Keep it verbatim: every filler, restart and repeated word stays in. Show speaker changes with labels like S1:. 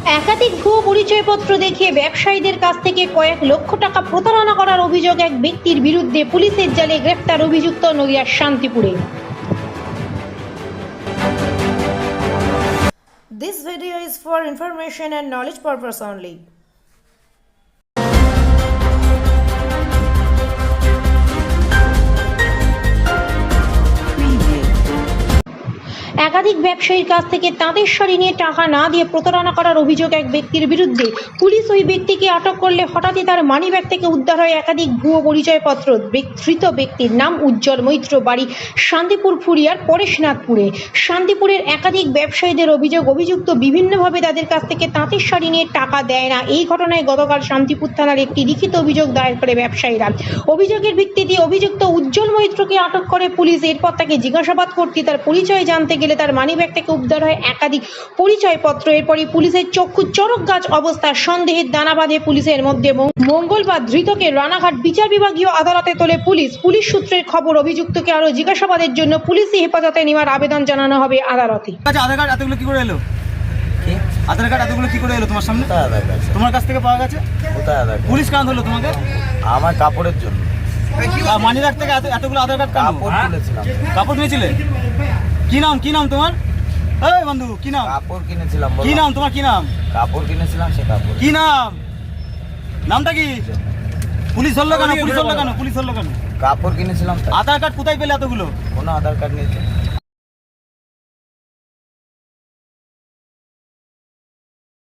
S1: একাধিক ভুয়ো পরিচয়পত্র দেখিয়ে ব্যবসায়ীদের কাছ থেকে কয়েক লক্ষ টাকা প্রতারণা করার অভিযোগ এক ব্যক্তির বিরুদ্ধে পুলিশের জালে গ্রেফতার অভিযুক্ত নদিয়ার শান্তিপুরে।
S2: This video is for information and knowledge purpose only.
S1: একাধিক ব্যবসায়ীর কাছ থেকে তাঁদের শাড়ি নিয়ে টাকা না দিয়ে প্রতারণা করার অভিযোগ এক ব্যক্তির বিরুদ্ধে। পুলিশ ওই ব্যক্তিকে আটক করলে হঠাৎই তার মানিব্যাগ থেকে উদ্ধার হয় একাধিক ভুয়ো পরিচয়পত্র। ধৃত ব্যক্তির নাম উজ্জ্বল মৈত্র, বাড়ি শান্তিপুর ফুরিয়ার পরেশনাথপুরে। শান্তিপুরের একাধিক ব্যবসায়ীদের অভিযোগ, অভিযুক্ত বিভিন্নভাবে তাদের কাছ থেকে তাঁতের শাড়ি নিয়ে টাকা দেয় না। এই ঘটনায় গতকাল শান্তিপুর থানার একটি লিখিত অভিযোগ দায়ের করে ব্যবসায়ীরা। অভিযোগের ভিত্তিতে অভিযুক্ত উজ্জ্বল মৈত্রকে আটক করে পুলিশ। এরপর তাকে জিজ্ঞাসাবাদ করতে তার পরিচয় জানতে গেলে তার মানিব্যাগ থেকে উদ্ধার হয় একাধিক পরিচয়পত্র। এরপরই পুলিশের চক্ষু চড়ক গাছ অবস্থার সন্দেহের দানা বাঁধে পুলিশের মধ্যে। মঙ্গলবার ধৃতকে রানাঘাট বিচার বিভাগীয় আদালতে তোলে পুলিশ। পুলিশ সূত্রের খবর, অভিযুক্তকে আরো জিজ্ঞাসাবাদের জন্য পুলিশি হেফাজতে নেওয়ার আবেদন জানানো হবে আদালতে।
S3: আধার কার্ড এতগুলো কি করে এলো? কি আধার কার্ড এতগুলো কি করে এলো তোমার সামনে? তোমার কাছ থেকে পাওয়া গেছে? কোথায় আধার? পুলিশ কেন ধরলো তোমাকে?
S4: আমার কাপড়ের জন্য।
S3: মানি ব্যাগ থেকে এতগুলো আধার কার্ড
S4: কাপড় তুলেছিলাম।
S3: কাপড় নিয়েছিলে? কি নাম কি নাম তোমার? এই বন্ধু কি নাম?
S4: কাপড় কিনেছিলাম।
S3: কি নাম তোমার? কি নাম?
S4: কাপড় কিনেছিলাম, সে কাপড়।
S3: কি নাম? নামটা কি? পুলিশ ধরলো কেন? পুলিশ ধরলো কেন? পুলিশ ধরলো কেন?
S4: কাপড় কিনেছিলাম।
S3: আধার কার্ড কোথায় পেলে এতগুলো?
S4: কোনো আধার কার্ড নিয়েছে?